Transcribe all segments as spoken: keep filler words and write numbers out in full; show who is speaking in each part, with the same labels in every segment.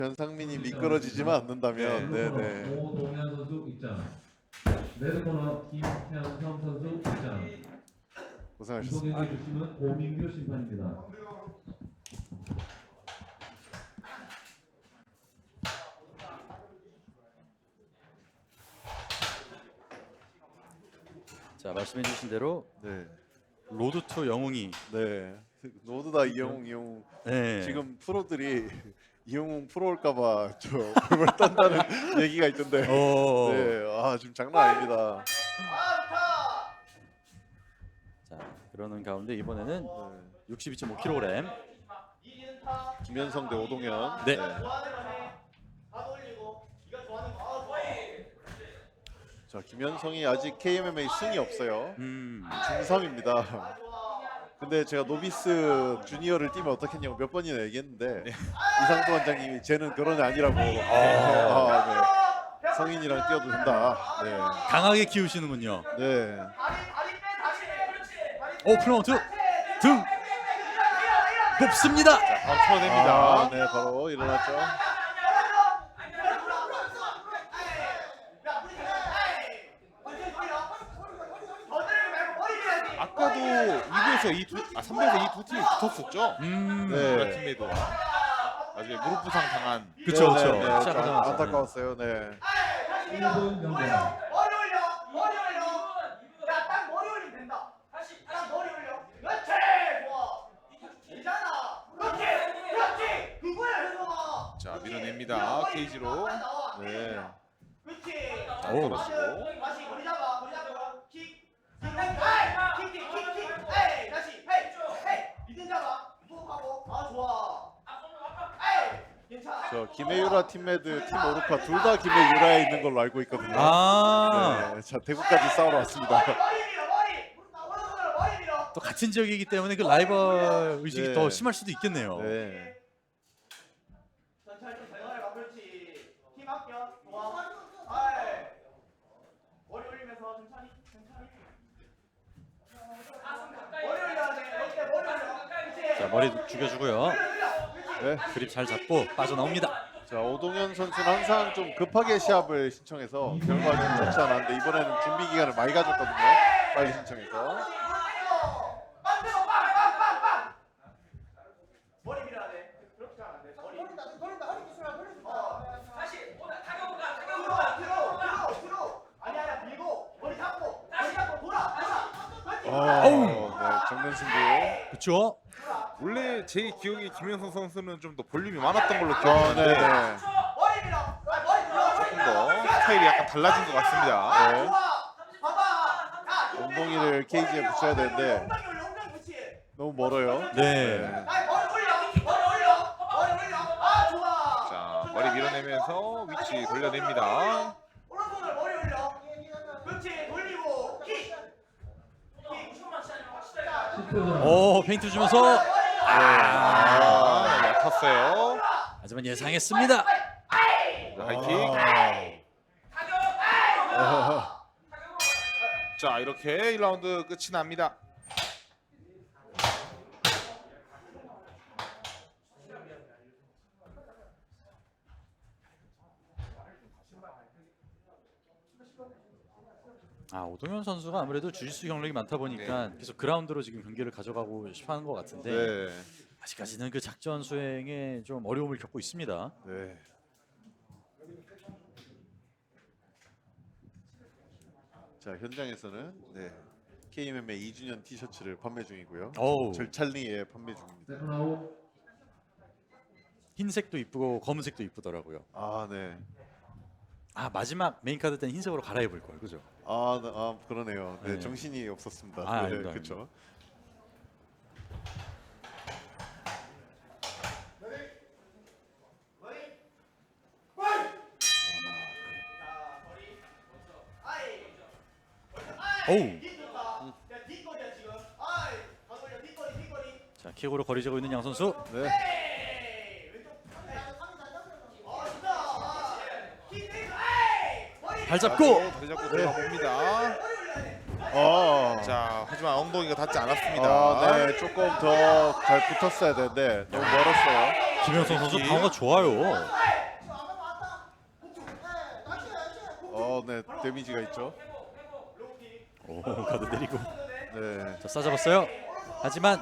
Speaker 1: 변상민이 미끄러지지만 않는다면,
Speaker 2: 네.
Speaker 1: 네네.
Speaker 2: 오동현 선수 입장. 레드코너 김현성 선수 입장. 이번
Speaker 1: 고생하셨습니다.
Speaker 2: 경기 주심은 고민규 심판입니다.
Speaker 3: 자, 말씀해주신 대로
Speaker 1: 네,
Speaker 3: 로드 투 영웅이
Speaker 1: 네. 모두 다 이영웅, 이영웅.
Speaker 3: 네.
Speaker 1: 지금 프로들이 이영웅 프로 올까봐 저 벌벌 떤다는 얘기가 있던데.
Speaker 3: 어.
Speaker 1: 네, 아 지금 장난 아닙니다.
Speaker 3: 자, 그러는 가운데 이번에는
Speaker 1: 네.
Speaker 3: 육십이 점 오 킬로그램.
Speaker 1: 김현성 대 오동현.
Speaker 3: 네.
Speaker 1: 자, 김현성이 아직 케이엠엠에이 승이 없어요.
Speaker 3: 음.
Speaker 1: 중삼입니다. 근데 제가 노비스 주니어를 뛰면 어떻겠냐고 몇 번이나 얘기했는데 이상도 원장님이 쟤는 그런 애 아니라고. 아, 네. 성인이랑 뛰어도 된다. 네.
Speaker 3: 강하게 키우시는군요.
Speaker 1: 네.
Speaker 3: 오, 플라운트 등 높습니다.
Speaker 4: 바로 쳐냅니다.
Speaker 1: 아, 네, 바로 일어났죠.
Speaker 4: 아까도 이 부에서 이 두, 아 삼 부에서 이 두 팀이 붙었었죠.
Speaker 3: 음.
Speaker 1: 네.
Speaker 4: 우리 팀에도 나중에 무릎 부상 당한.
Speaker 3: 그쵸,
Speaker 1: 네,
Speaker 3: 그쵸.
Speaker 1: 네, 네.
Speaker 3: 시작하자마자.
Speaker 1: 안- 안타까웠어요. 네.
Speaker 2: 일 분 경기.
Speaker 5: 머리 올려, 머리 올려. 야, 딱 머리 올리면 된다. 다시, 딱 머리 올려. 그렇지, 좋아. 되잖아. 그렇지, 그렇지. 그거야, 현성아.
Speaker 4: 자 밀어냅니다. 케이지로.
Speaker 1: 네.
Speaker 5: 그렇지.
Speaker 4: 자,
Speaker 3: 오.
Speaker 4: 떨어지고.
Speaker 5: 다시 머리 잡아, 머리 잡아. 킥, 킥, 에이, 킥, 킥, 킥, 킥. 에이, 다시, 헤이, 헤이. 미든 잡아. 호흡하고. 아, 좋아. 에이, 괜찮아.
Speaker 1: 저 김혜유라 팀메드, 팀 오르카 둘 다 김혜유라에 있는 걸로 알고 있거든요.
Speaker 3: 아.
Speaker 1: 네. 자, 대구까지 싸우러 왔습니다.
Speaker 5: 머리 밀어, 머리. 오른손으로 머리 밀어.
Speaker 3: 또 같은 지역이기 때문에 그 라이벌 의식이
Speaker 1: 네.
Speaker 3: 더 심할 수도 있겠네요.
Speaker 1: 네.
Speaker 5: 천천히 좀 대단해봐, 그렇지. 힘 아껴, 좋아. 아이. 머리 올리면서 천천히, 천천히. 머리 올려야 돼. 이때 머리 올려. 그렇지.
Speaker 3: 자, 머리 죽여주고요.
Speaker 5: 머리 올려. 그렇지.
Speaker 1: 네.
Speaker 3: 그립 잘 잡고 빠져나옵니다.
Speaker 1: 자, 오동현 선수는 항상 좀 급하게 시합을 신청해서 결과는 좋지 않았는데 이번에는 준비 기간을 많이 가졌거든요. 빨리 신청해서.
Speaker 5: 만들어, 빵, 빵, 빵, 빵. 머리 밀어야 돼. 그렇게 하면 안 돼. 머리. 돌린다, 돌린다, 허리 기술아, 돌린다. 다시, 타격가, 타격가. 들어, 들어, 들어. 아니 아니야, 밀고 머리 잡고, 머리 잡고 돌아, 돌아. 그렇지.
Speaker 1: 어, 네, 정면 승부.
Speaker 3: 그렇죠?
Speaker 4: 원래 제 기억에 김현성 선수는 좀 더 볼륨이 많았던 걸로
Speaker 1: 아, 네,
Speaker 4: 기억하는데
Speaker 1: 네.
Speaker 5: 머리 밀어. 아, 머리 밀어.
Speaker 4: 조금 더 스타일이 약간 달라진 것 같습니다.
Speaker 1: 네.
Speaker 5: 좋아. 봐봐. 야,
Speaker 1: 엉덩이를 케이지에 붙여야 되는데
Speaker 5: 엉덩이 올려, 엉덩이 붙이.
Speaker 1: 너무 멀어요.
Speaker 3: 네.
Speaker 5: 아, 머리 올려, 머리 올려, 머리 올려. 아, 좋아.
Speaker 4: 자 머리 밀어내면서 위치 돌려냅니다.
Speaker 5: 오른손을 머리 올려. 그렇지, 돌리고 킥. 킥.
Speaker 2: 십 분 전.
Speaker 3: 오, 페인트 주면서
Speaker 4: 아 얕았어요.
Speaker 3: 하지만 예상했습니다.
Speaker 4: 자, 하이킥.
Speaker 1: 아,
Speaker 4: 자 이렇게 일 라운드 끝이 납니다.
Speaker 3: 아, 오동현 선수가 아무래도 주짓수 경력이 많다 보니까 계속 그라운드로 지금 경기를 가져가고 싶어하는 것 같은데
Speaker 1: 네.
Speaker 3: 아직까지는 그 작전 수행에 좀 어려움을 겪고 있습니다.
Speaker 1: 네. 자, 현장에서는 네. 케이엠엠에이 이 주년 티셔츠를 판매 중이고요.
Speaker 3: 어우,
Speaker 1: 절찬리에 판매 중입니다.
Speaker 2: 세컨 아웃.
Speaker 3: 흰색도 이쁘고 검은색도 이쁘더라고요.
Speaker 1: 아, 네.
Speaker 3: 아, 마지막 메인 카드 때는 흰색으로 갈아입을 걸, 그죠?
Speaker 1: 아, 네, 아 그러네요. 네,
Speaker 3: 네.
Speaker 1: 정신이 없었습니다.
Speaker 3: 아,
Speaker 1: 네,
Speaker 3: 아닙니다,
Speaker 1: 그렇죠.
Speaker 3: 어우,
Speaker 5: 뒷거리야 지금. 아이, 다 돌려, 뒷거리, 뒷거리.
Speaker 3: 자, 킥으로 거리 재고 있는 양 선수.
Speaker 1: 네.
Speaker 5: 에이, 왼쪽. 에이. 아, 진짜. 아, 킥 내줘. 에이, 머리.
Speaker 3: 발 잡고
Speaker 4: 다리 잡고 들어가 봅니다.
Speaker 5: 머리 올려야 돼.
Speaker 1: 아,
Speaker 4: 자 하지만 엉덩이가 닿지 않았습니다.
Speaker 1: 아, 네, 조금 더 잘 붙었어야 되는데 너무 멀었어요.
Speaker 3: 김현성 선수 방어가 좋아요.
Speaker 1: 어, 네, 데미지가 있죠.
Speaker 3: 오, 가드 때리고.
Speaker 1: 네.
Speaker 3: 자, 싸잡았어요. 하지만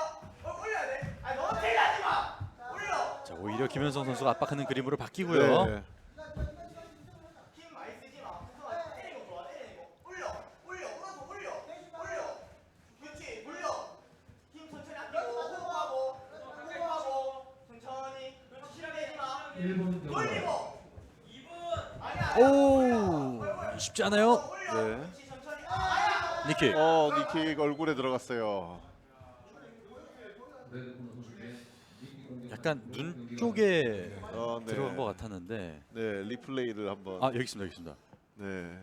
Speaker 3: 자, 오히려 김현성 선수가 압박하는 그림으로 바뀌고요.
Speaker 1: 네.
Speaker 5: 힘 많이 쓰지 마. 우선 때리는 거 좋아. 때리는 거. 올려. 올려. 오른손 올려. 올려. 그렇지. 올려. 힘 천천히 아끼고 호흡하고 호흡하고 천천히. 그렇지. 실내지 마.
Speaker 2: 일 분 경과.
Speaker 5: 돌리고. 이 분. 아니야.
Speaker 3: 오, 쉽지 않아요.
Speaker 5: 올려.
Speaker 1: 네.
Speaker 5: 그렇지. 천천히. 아야.
Speaker 3: 니킥.
Speaker 1: 어, 니킥 얼굴에 들어갔어요.
Speaker 2: 레드 코너 선수의 니킥 공격
Speaker 3: 약간
Speaker 2: 선수
Speaker 3: 눈
Speaker 2: 경기가
Speaker 3: 쪽에
Speaker 1: 어, 네.
Speaker 3: 들어간 것 같았는데.
Speaker 1: 네, 리플레이를 한번.
Speaker 3: 아, 여기 있습니다. 여기 있습니다.
Speaker 1: 네.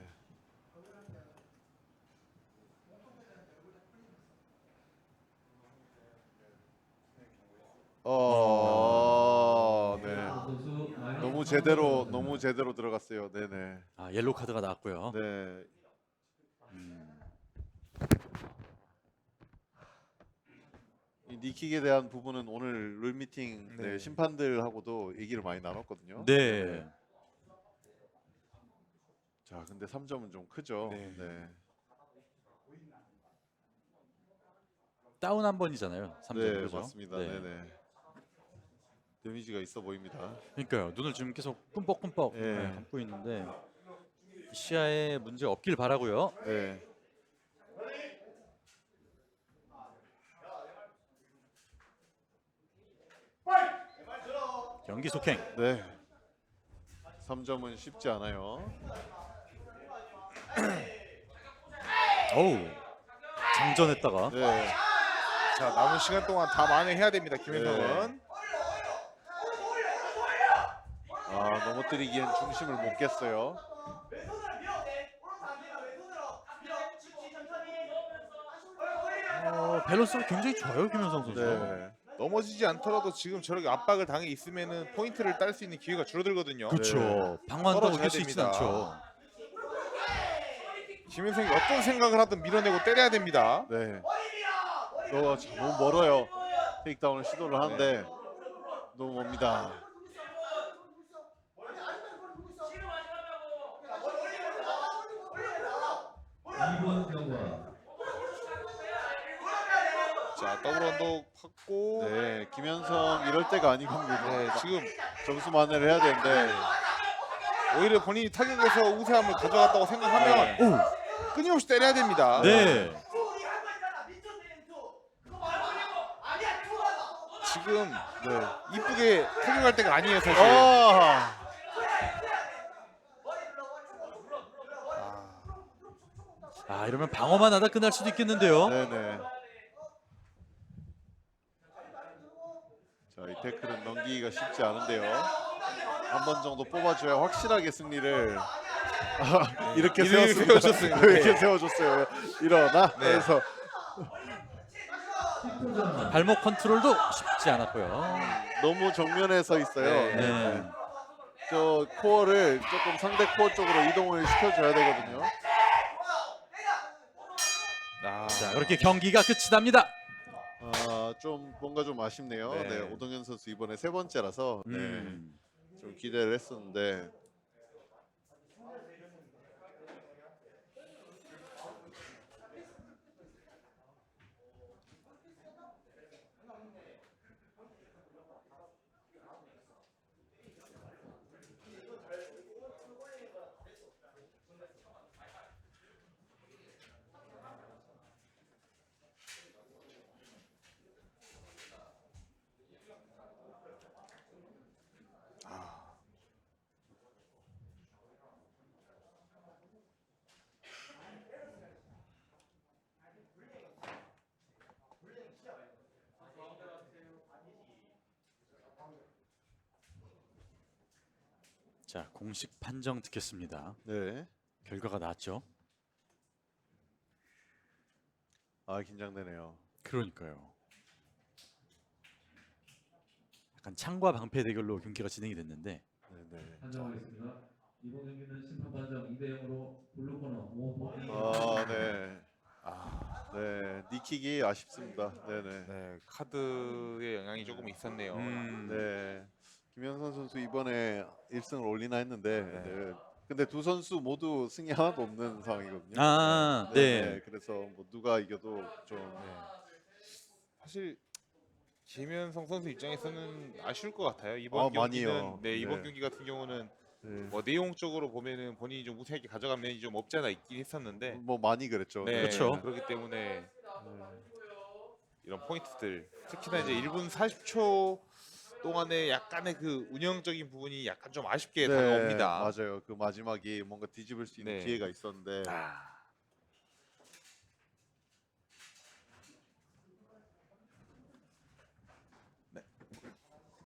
Speaker 1: 어, 네.
Speaker 2: 선수 마이너스
Speaker 1: 너무
Speaker 2: 삼
Speaker 1: 제대로
Speaker 2: 점
Speaker 1: 너무 제대로 들어갔어요. 네네.
Speaker 3: 아, 옐로우 카드가 나왔고요.
Speaker 1: 네.
Speaker 3: 음,
Speaker 1: 이 니킥에 대한 부분은 오늘 룰 미팅 네,
Speaker 4: 네.
Speaker 1: 심판들하고도 얘기를 많이 나눴거든요.
Speaker 3: 네.
Speaker 1: 자, 근데 삼 점은 좀 크죠.
Speaker 4: 네.
Speaker 1: 네.
Speaker 3: 다운 한 번이잖아요. 삼 점.
Speaker 1: 네,
Speaker 3: 그죠?
Speaker 1: 맞습니다.
Speaker 3: 네.
Speaker 1: 네, 네. 데미지가 있어 보입니다.
Speaker 3: 그러니까요. 눈을 지금 계속 끔뻑끔뻑
Speaker 1: 예.
Speaker 3: 네, 감고 있는데 시야에 문제 없길 바라고요.
Speaker 1: 네.
Speaker 3: 경기 속행.
Speaker 1: 네. 삼 점은 쉽지 않아요.
Speaker 3: 어우. 장전했다가
Speaker 1: 네.
Speaker 4: 자, 남은 시간 동안 다 만회해야 됩니다. 김현성은.
Speaker 1: 아, 넘어뜨리기엔 중심을 못 깼어요.
Speaker 5: 왼손으로 밀어도 돼. 오른손 안 되면 왼손으로 밀어. 그렇지. 천천히.
Speaker 3: 어, 밸런스가 굉장히 좋아요, 김현성 선수.
Speaker 1: 네.
Speaker 4: 넘어지지 않더라도 지금 저렇게 압박을 당해 있으면은 포인트를 딸 수 있는 기회가 줄어들거든요.
Speaker 3: 그렇죠.
Speaker 1: 네.
Speaker 3: 방어한다고
Speaker 4: 떨어져야
Speaker 3: 이길 수 있진
Speaker 4: 됩니다.
Speaker 3: 않죠.
Speaker 4: 김현성이 어떤 생각을 하든 밀어내고 때려야 됩니다.
Speaker 1: 네.
Speaker 5: 머리 밀어. 머리
Speaker 1: 어, 참, 너무 멀어요. 테이크다운을 시도를 하는데 너무 멉니다.
Speaker 2: 이 분 경과.
Speaker 4: 자, 더블 언더 받고.
Speaker 1: 네, 김현성 이럴 때가 아니거든요.
Speaker 4: 네, 지금
Speaker 1: 점수 만회를 해야 되는데
Speaker 4: 오히려 본인이 타격에서 우세함을 가져갔다고 생각하면
Speaker 3: 오.
Speaker 4: 끊임없이 때려야 됩니다.
Speaker 3: 네.
Speaker 4: 지금
Speaker 1: 네.
Speaker 4: 이쁘게 타격할 때가 아니에요, 사실.
Speaker 1: 아,
Speaker 3: 아, 이러면 방어만 하다 끝날 수도 있겠는데요.
Speaker 1: 네네. 자, 이 태클은 넘기기가 쉽지 않은데요. 한 번 정도 뽑아줘야 확실하게 승리를 아, 이렇게
Speaker 4: 이렇게
Speaker 1: 세웠습니다.
Speaker 4: 세워줬어요.
Speaker 1: 이렇게 세워줬어요. 일어나.
Speaker 4: 네.
Speaker 1: 그래서
Speaker 2: 십 초 전.
Speaker 3: 발목 컨트롤도 쉽지 않았고요.
Speaker 1: 너무 정면에 서 있어요.
Speaker 4: 네.
Speaker 3: 네.
Speaker 1: 저 코어를 조금 상대 코어 쪽으로 이동을 시켜줘야 되거든요.
Speaker 4: 아,
Speaker 3: 자, 그렇게 경기가 끝이 납니다.
Speaker 1: 아, 좀 뭔가 좀 아쉽네요.
Speaker 4: 네.
Speaker 1: 네, 오동현 선수 이번에 세 번째라서 네,
Speaker 3: 음.
Speaker 1: 좀 기대를 했었는데
Speaker 3: 자, 공식 판정 듣겠습니다.
Speaker 1: 네,
Speaker 3: 결과가 나왔죠.
Speaker 1: 아 긴장되네요.
Speaker 3: 그러니까요. 약간 창과 방패 대결로 경기가 진행이 됐는데
Speaker 1: 네, 네.
Speaker 2: 판정하겠습니다. 이번 경기는 심판 판정 이 대 영으로 블루 코너 오호이.
Speaker 1: 아, 네,
Speaker 4: 아,
Speaker 1: 네, 니킥이 아쉽습니다. 네, 네,
Speaker 4: 네, 카드의 영향이 조금 있었네요.
Speaker 3: 음.
Speaker 1: 네. 김현선 선수 이번에 일 승을 올리나 했는데
Speaker 4: 네.
Speaker 1: 네, 근데 두 선수 모두 승이 하나도 없는 상황이거든요.
Speaker 3: 아, 네.
Speaker 1: 그래서 뭐 누가 이겨도 좀
Speaker 4: 네. 사실 김현성 선수 입장에서는 아쉬울 것 같아요. 이번
Speaker 1: 아,
Speaker 4: 경기는
Speaker 1: 많이요.
Speaker 4: 네, 이번
Speaker 1: 네.
Speaker 4: 경기 같은 경우는
Speaker 1: 네.
Speaker 4: 뭐 내용적으로 보면은 본인이 좀 우세하게 가져간 면이 좀 없지 않아 있긴 했었는데
Speaker 1: 뭐 많이 그랬죠.
Speaker 4: 네,
Speaker 3: 그렇죠.
Speaker 4: 그렇기 때문에 이런 포인트들 특히나 이제 일 분 사십 초 동안에 약간의 그 운영적인 부분이 약간 좀 아쉽게
Speaker 1: 네,
Speaker 4: 다가옵니다.
Speaker 1: 맞아요. 그 마지막이 뭔가 뒤집을 수 있는
Speaker 4: 네.
Speaker 1: 기회가 있었는데
Speaker 4: 아,